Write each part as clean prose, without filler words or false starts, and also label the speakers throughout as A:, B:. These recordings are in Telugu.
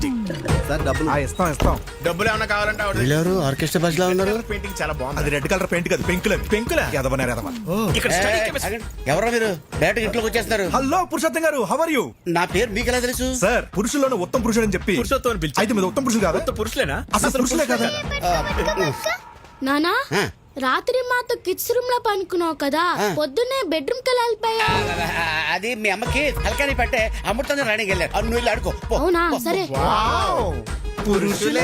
A: సార్ డబ్బులు
B: ఇస్తాం
C: డబ్బులు ఏమన్నా కావాలంటే
D: వీళ్ళెవరు ఆర్కెస్ట్రా బస్ లో ఉన్నారు?
C: పెయింటింగ్ చాలా బాగుంది.
B: అది రెడ్ కలర్ పెయింట్ కాదు పెంకుల ఎదవనారు ఎదవ.
C: ఇక్కడ study chemistry.
D: ఎవరో మీరు డైరెక్ట్ ఇంట్లోకి వచ్చేస్తున్నారు.
B: హలో పురుషోత్తం గారు, హౌ ఆర్ యూ?
D: నా పేరు మీకు ఎలా తెలుసు?
B: సార్ పురుషుల్లోనే ఉత్తమ పురుషుడు అని చెప్పి
C: పురుషోత్తం అని పిలిచి.
B: అయితే మీద ఉత్తమ పురుషుడు కాదా?
C: మొత్తం పురుషులేనా?
B: అసలు పురుషులే కదా?
E: నానా
D: ఆ.
E: రాత్రి మాతో కిడ్స్ రూమ్ లో పనుకున్నావు కదా, పొద్దున్నే బెడ్రూమ్ కి వెళ్ళిపోయా.
D: అది మీ అమ్మకి హల్కాని పట్టే అమృతంగా రాణికి వెళ్ళారు. నువ్వు వెళ్ళి ఆడుకో పో.
E: అవునా సరే.
B: పురుషులే.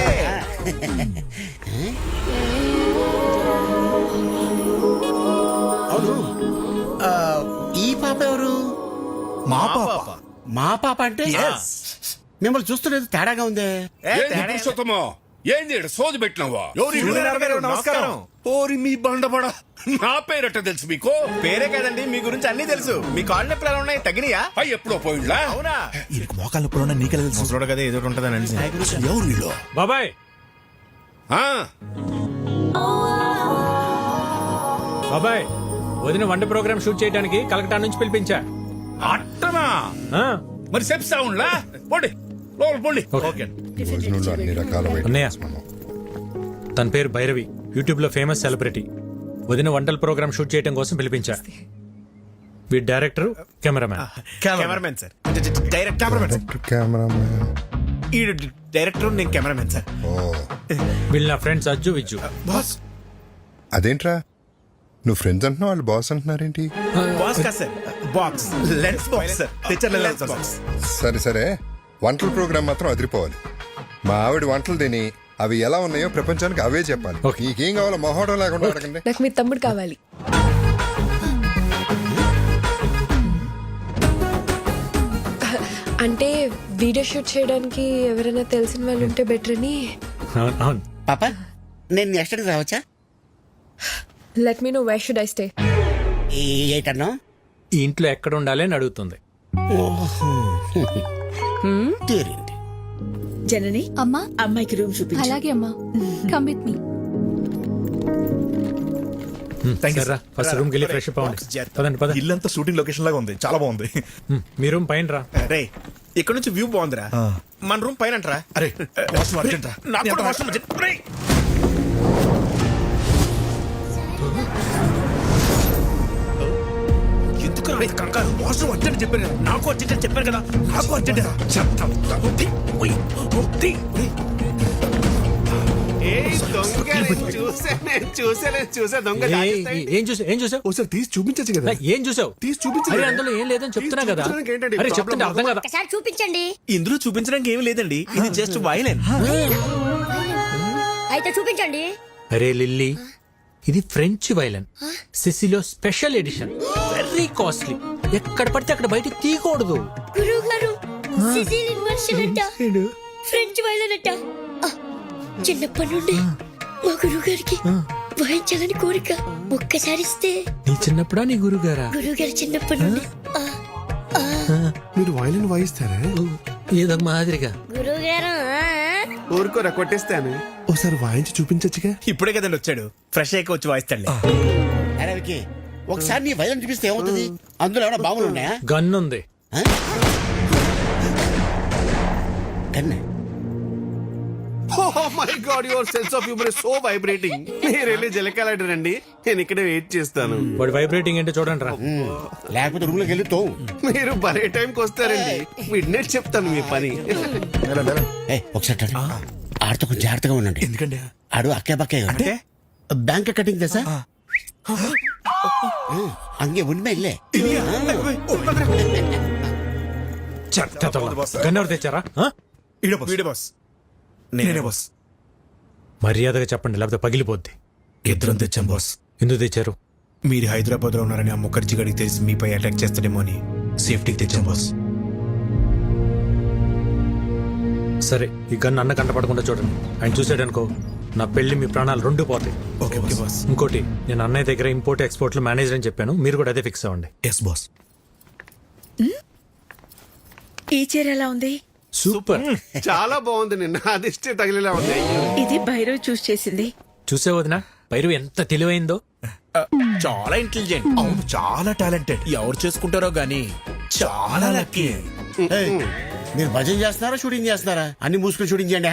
D: అవును ఆ, ఈ పాప ఎవరు?
B: మా పాప.
D: మా పాప అంటే మిమ్మల్ని చూస్తున్నది తేడాగా ఉందే.
F: పురుషోత్తమో ఏంది ఈడ సోది పెట్టినావా?
B: సూర్యనారాయణ గారు, నమస్కారం.
F: ఓరి మీ బండబడ, నా పేరట తెలుసు మీకు?
C: పేరే కదండి, మీ గురించి అన్ని తెలుసు. మీ కాళ్ళు నొప్పులు ఎలా ఉన్నాయి? తగ్గినాయా?
F: అయ్యి ఎప్పుడో పోయిండ్లా?
C: అవునా?
B: ఈయనకి మోకాళ్ళ నొప్పులు నీకెలా తెలుసు?
C: ముసలోడు కదా ఏదో ఉంటుందని అనిసి.
B: ఎవరు వీళ్ళు?
G: బాబాయ్
F: ఆ,
G: బాబాయ్ వదిన వంట ప్రోగ్రామ్ షూట్ చేయడానికి కలకటా నుంచి పిలిపించా.
F: అట్టనా?
G: ఆ,
F: మరి చెప్తా ఉండ్లా? పోండి లోపల పోండి.
G: ఓకే.
H: భోజనంలో అన్ని రకాల
G: అన్నయ్య
H: ఐటమ్స్ మనం.
G: తన పేరు భైరవి, యూట్యూబ్ లో ఫేమస్ సెలబ్రిటీ. వదిన వంటల ప్రోగ్రామ్ షూట్ చేయడం కోసం పిలిపించా. వీడి director, cameraman.
C: Cameramen sir. Direct cameramen sir.
H: Cameraman.
C: ఈ డైరెక్టర్, నేను కెమెరామెన్ సార్.
H: ఓ
G: వీళ్ళు నా ఫ్రెండ్స్ అజ్జు విజ్జు.
C: బాస్
H: అదేంట్రా, నువ్వు ఫ్రెండ్స్ అంటున్నావు, వాళ్ళు బాస్ అంటున్నారేంటి?
C: బాస్ కాదు sir, box lens box sir. తెచ్చర్ లెన్స్ బాక్స్.
H: సరే సరే, వంటల ప్రోగ్రామ్ మాత్రం అదిరిపోవాలి. మా ఆవిడ వంటలు తిని అవి ఎలా ఉన్నాయో ప్రపంచానికి అవే చెప్పాలి.
G: ఓకే.
H: నీకేం కావాలో మొహోడం లేకుండా అడగండి.
I: నాకు మీ తమ్ముడు కావాలి. అంటే వీడియో షూట్ చేయడానికి ఎవరైనా తెలిసిన వాళ్ళు ఉంటే బెటర్ అని.
G: అవును.
D: పాప నేను నెక్స్ట్ టైం రావచ్చా?
I: Let me know where should I stay.
D: ఏటన్నా?
G: ఈ ఇంట్లో ఎక్కడ ఉండాలి అని అడుగుతుంది.
D: తీరింది.
J: జనని
K: అమ్మా
J: అమ్మాయికి రూమ్ చూపించు.
K: అలాగే అమ్మా, కమ్ విత్ మీ.
G: సరే ఫస్ట్ రూమ్ కెళ్ళి ఫ్రెష్ అప్ అవ్వండి. పదండి పదండి.
B: ఇల్లంతా షూటింగ్ లొకేషన్ లాగా ఉంది, చాలా బాగుంది.
G: మీ రూమ్ పైన రా.
C: రే ఇక్కడ నుంచి వ్యూ బాగుందిరా. మన రూమ్ పైన అంటారా?
B: అరే వాష్రూమ్ అర్జెంట్ రా.
C: నాకు కూడా వాష్రూమ్ అర్జెంట్. రేయ్. ఎందుకు రా కంగారు? వాష్రూమ్ అర్జెంట్ చెప్పాను కదా. నాకు అర్జెంట్ అని చెప్పాను కదా. నాకు అర్జెంట్ రా. చెప్తాం. ఉత్తి. ఉయ్. ఉత్తి. ఉయ్. చూసా దొంగ.
G: ఏం చూసావు?
B: ఒకసారి తీసి చూపించచ్చు కదా.
G: ఏం చూసావు?
B: తీసి చూపించు.
G: అరే అందులో ఏం లేదని చెప్తున్నా కదా.
B: చూపించడానికి ఏంటండి
G: అరే
B: problem?
G: చెప్తుంటే అర్థం కదా.
E: ఒకసారి చూపించండి.
C: ఇందులో చూపించడానికి ఏమీ లేదండి, ఇది జస్ట్ వైలెన్.
E: అయితే చూపించండి.
G: అరే లిల్లీ, ఇది ఫ్రెంచ్ వైలన్, సిసిలో స్పెషల్ ఎడిషన్, వెరీ కాస్ట్లీ. ఎక్కడ పడితే అక్కడ బయట తీయకూడదు.
E: గురువు గారు, సిసిలియన్ వర్షన్ అంట, ఫ్రెంచ్ వైలన్ అంట. చిన్నప్పటి నుండి మా గురువు గారికి వాయించాలని కోరిక. ఒక్కసారి ఇస్తే.
G: నీ చిన్నప్పుడా నీ గురుగారా?
E: గురువు గారు చిన్నప్పటి నుండి.
B: మీరు వైలిన్ వాయిస్తారా?
G: ఏదో మాదిరిగా.
E: గురువు గారు
C: ఊరుకోరా, కొట్టేస్తాను.
B: ఒకసారి వాయించి చూపించచ్చుగా.
C: ఇప్పుడే కదండి వచ్చాడు, ఫ్రెష్ అయ్యి వచ్చి వాయిస్తాడులే.
D: అరే వికీ, ఒకసారి నీ వైద్యం చూపిస్తే ఏమవుతుంది? అందులో ఏమైనా బాంబులు ఉన్నాయా?
G: గన్ ఉంది.
D: కన్నే.
A: Oh my God, your sense of humor is so vibrating. మీరు వెళ్ళి జలకాలండి, నేను ఇక్కడే వెయిట్ చేస్తాను.
G: వాడి వైబ్రేటింగ్ ఏంటో చూడండి రా.
D: లేకపోతే రూమ్ లోకి వెళ్ళి తోవు.
A: మీరు భలే టైంకి వస్తారండి. మిడ్నైట్ చెప్తాను మీ పని.
D: ఒకసారి రండి. ఆడితో కొంచెం జాగ్రత్తగా ఉండండి.
B: ఎందుకండి?
D: ఆడు అక్కే పక్కే అంటే బ్యాంక్ కటింగ్ తెసా అంగే ఉన్మే ఇల్లే.
G: గన్ ఎవరు తెచ్చారా?
C: వీడే బాస్.
B: నేనే బాస్.
G: మర్యాదగా చెప్పండి, లేకపోతే పగిలిపోద్ది.
B: ఇద్దరం తెచ్చాం బాస్.
G: ఎందుకు తెచ్చారు?
C: మీరు హైదరాబాద్ లో ఉన్నారని ఆ ముఖర్జీ గడికి తెలిసి మీపై అటాక్ చేస్తాడేమో అని
B: సేఫ్టీకి తెచ్చాం బాస్.
G: సరే ఈ గన్ అన్న కంటపడకుండా చూడండి. ఆయన చూసాడనుకో నా పెళ్లి మీ ప్రాణాలు రెండు పోతాయి.
B: Okay okay boss.
G: ఇంకోటి, నేను అన్నయ్య దగ్గర ఇంపోర్ట్ ఎక్స్పోర్ట్ లో మేనేజర్ అని చెప్పాను, మీరు కూడా అదే ఫిక్స్ అవ్వండి.
B: Yes boss.
J: ఈ చీర ఎలా ఉంది?
G: సూపర్.
A: చాలా బాగుంది. నిన్న అదిష్టే తగిలేలా ఉంది.
J: ఇది భైరవ్ చూస్ చేసింది.
G: చూసే వదినా పైరు ఎంత తెలివైందో.
C: చాలా ఇంటెలిజెంట్.
B: అవును, చాలా టాలెంటెడ్.
C: ఎవరు చేసుకుంటారో గానీ చాలా లక్కీ.
D: మీరు భజన చేస్తున్నారా షూటింగ్ చేస్తున్నారా? అన్ని మూసుకుని షూటింగ్ చేయండి.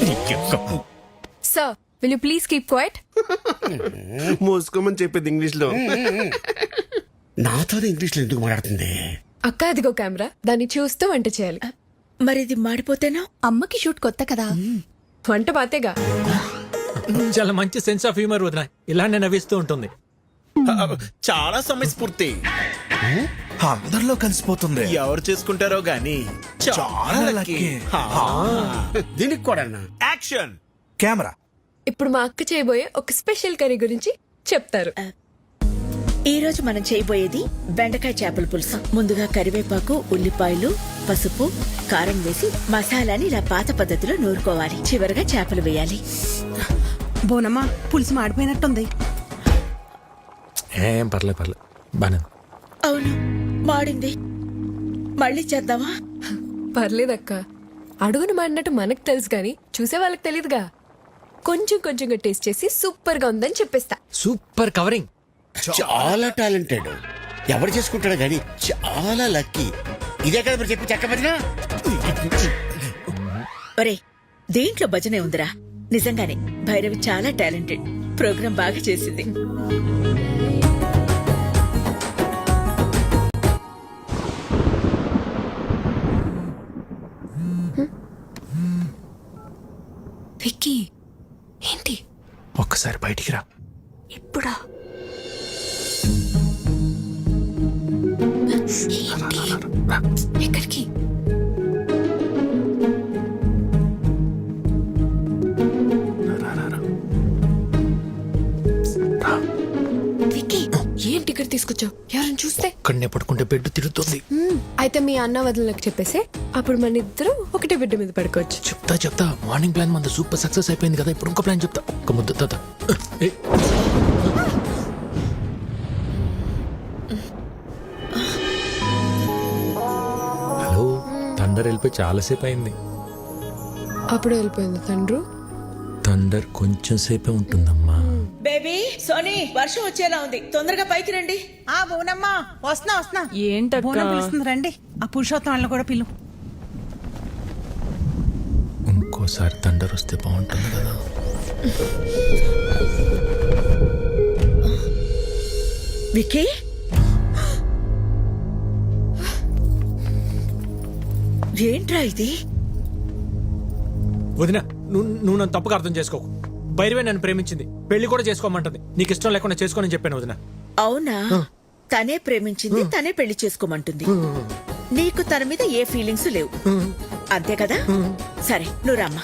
I: Sir will you please keep quiet?
A: మోసుకోమని చెప్పింది ఇంగ్లీష్ లో.
D: నాతోనే ఇంగ్లీష్ లో ఎందుకు మాట్లాడుతుంది?
I: అక్క అదిగో కెమెరా, దాన్ని చూస్తూ వంట చేయాలి.
J: మరి ఇది మాడిపోతేనో?
K: అమ్మకి షూట్ కొత్త కదా.
I: వంట బాతేగా.
G: చాలా మంచి సెన్స్ ఆఫ్ హ్యూమర్ వదిన, ఇలానే నవ్విస్తూ ఉంటుంది.
C: చాలా సమయస్ఫూర్తి.
B: అందరిలో కలిసిపోతుంది.
C: ఎవరు చేసుకుంటారో గాని చాలా లక్కీ.
D: దీనికి కూడా
C: యాక్షన్.
B: కెమెరా.
I: ఇప్పుడు మా అక్క చేయబోయే ఒక స్పెషల్ కర్రీ గురించి చెప్తారు.
J: ఈ రోజు మనం చేయబోయేది బెండకాయ చేపల పులుసు. ముందుగా కరివేపాకు, ఉల్లిపాయలు, పసుపు, కారం వేసి మసాలాని ఇలా పాత పద్ధతిలో నూరుకోవాలి. చివరగా చేపలు వేయాలి. బోనమ్మా, పులుసు మాడిపోయినట్టుంది.
G: ఏం పర్లేదు బానే.
J: అవును, మాడింది. మళ్ళీ చేద్దామా?
I: పర్లేదక్క, అడుగును మాడినట్టు మనకు తెలుసు గాని చూసే వాళ్ళకి తెలియదుగా. కొంచెంగా టేస్ట్ చేసి సూపర్ గా ఉందని చెప్పేస్తా.
G: Super covering.
D: చాలా టాలెంటెడ్. ఎవరు చేసుకుంటాడు కానీ చాలా లక్కీ. ఇదే కదా మీరు చెప్పి చెక్క భజన.
J: ఒరే, దేంట్లో భజనే ఉందిరా. నిజంగానే భైరవి చాలా టాలెంటెడ్. ప్రోగ్రాం బాగా చేసింది.
I: విక్కీ, ఏంటి
G: ఒక్కసారి బయటికి రా.
I: ఇప్పుడా? ఎక్కడికి? విక్కీ, ఏం టికెట్ తీసుకొచ్చావు? ఎవరైనా చూస్తే?
G: ఇక్కడనే పడుకుంటే బెడ్ తిరుగుతుంది.
I: అయితే మీ అన్న వదినలకు చెప్పేసి అప్పుడు మన ఇద్దరు ఒకటే బిడ్డ మీద పడుకోవచ్చు.
G: చెప్తా. మార్నింగ్ ప్లాన్ మన సూపర్ సక్సెస్ అయిపోయింది కదా, ఇప్పుడు ఇంకో ప్లాన్ చెప్తా. ఒక ముద్ద తాత. హలో, థండర్ వెళ్ళిపోయి చాలాసేపు అయింది.
I: అప్పుడు వెళ్ళిపోయింది తండ్రు.
G: థండర్ కొంచెం సేపే ఉంటుందమ్మా.
J: బేబీ, సోనీ, వర్షం వచ్చేలా ఉంది. తొందరగా పైకి రండి.
K: ఆ బోనమ్మా, వస్తున్నా.
J: ఏంటక్క?
K: పిలుస్తుంది, రండి. ఆ పురుషోత్తం వాళ్ళని కూడా పిలు.
G: ఇంకోసారి థండర్ వస్తే బాగుంటుంది కదా.
J: విక్కీ, ఏంట్రా ఇది?
G: వదిన, నువ్వు నన్ను తప్పుగా అర్థం చేసుకోకు. భైరవే నన్ను ప్రేమించింది, పెళ్లి కూడా చేసుకోమంటుంది. నీకు ఇష్టం లేకుండా చేసుకోనని చెప్పాను వదిన.
J: అవునా? తనే ప్రేమించింది, తనే పెళ్లి చేసుకోమంటుంది. నీకు తన మీద ఏ ఫీలింగ్స్ లేవు, అంతే కదా? సరే, నువ్వు రామ్మా.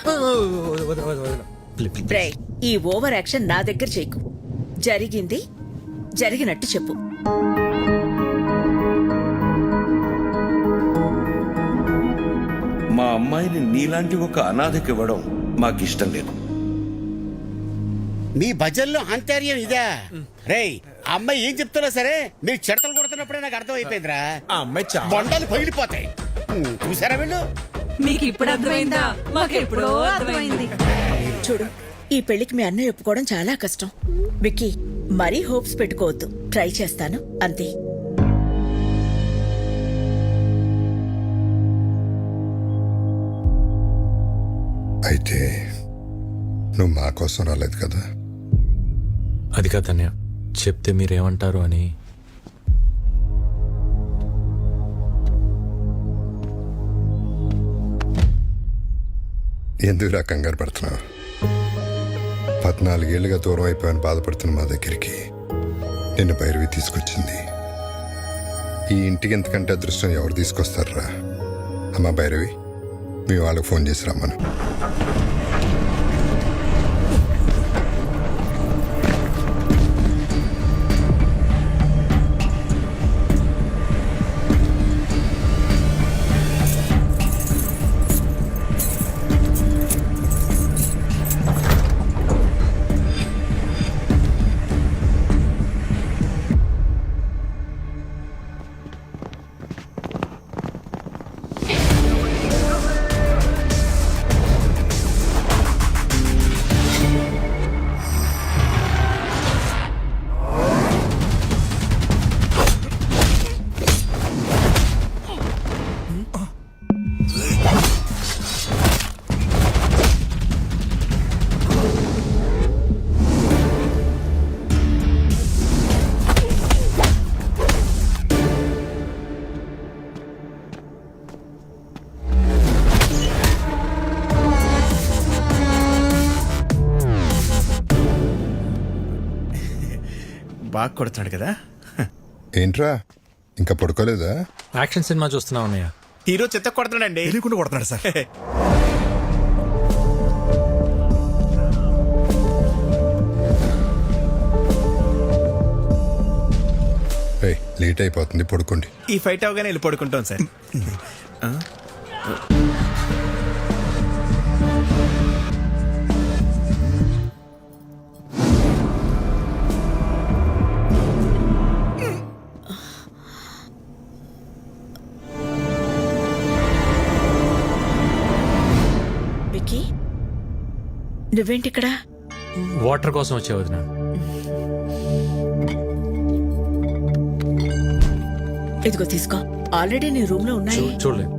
J: బ్రై, ఈ ఓవర్ యాక్షన్ నా దగ్గర చేయకు. జరిగింది జరిగినట్టు చెప్పు.
F: మా అమ్మాయిని నీలాంటి ఒక అనాథకి ఇవ్వడం మాకిష్టం లేదు.
D: మీ భజనలో ఆంతర్యం ఇదా? రేయ్, అమ్మాయి ఏం చెప్తున్నా సరే మీరు చెడతలు కొడుతున్నప్పుడే నాకు అర్థం అయిపోయిందిరా.
C: ఆ అమ్మాయి చాలా
D: బొండాలు పగిలిపోతాయి. చూసారా వీళ్ళు?
K: మీకు ఇప్పుడు అర్థమైందా? మాకు ఎప్పుడో అర్థమైంది.
J: చూడు, ఈ పెళ్లికి మీ అన్నయ్య ఒప్పుకోవడం చాలా కష్టం. విక్కీ, మరీ హోప్స్ పెట్టుకోవద్దు. ట్రై చేస్తాను, అంతే.
H: అయితే నువ్వు మా కోసం రాలేదు కదా?
G: అది కాదన్నయ్య, చెప్తే మీరేమంటారు అని.
H: ఎందుకురా కంగారు పడుతున్నావు? 14 ఏళ్ళుగా దూరం అయిపోయాను బాధపడుతున్న మా దగ్గరికి నిన్ను భైరవి తీసుకొచ్చింది. ఈ ఇంటికి ఎంతకంటే అదృష్టం ఎవరు తీసుకొస్తారా? అమ్మా భైరవి, మీ వాళ్ళకి ఫోన్ చేసి రమ్మను.
C: బాగా కొడుతున్నాడు కదా.
H: ఏంట్రా ఇంకా పడుకోలేదా?
G: యాక్షన్ సినిమా చూస్తున్నా ఉన్నాయా?
C: హీరో చెత్త కొడుతున్నాడండి.
B: తెలియకుండా కొడుతున్నాడు సార్.
H: రేయ్, లేట్ అయిపోతుంది, పడుకోండి.
C: ఈ ఫైట్ అవగానే వెళ్ళి పడుకుంటాం సార్.
J: విక్కీ నువ్వేంటి ఇక్కడ?
G: వాటర్ కోసం వచ్చే వదిన.
J: ఇదిగో తీసుకో. ఆల్రెడీ నీ రూమ్ లో ఉన్నాయి.
G: చూడలేదు.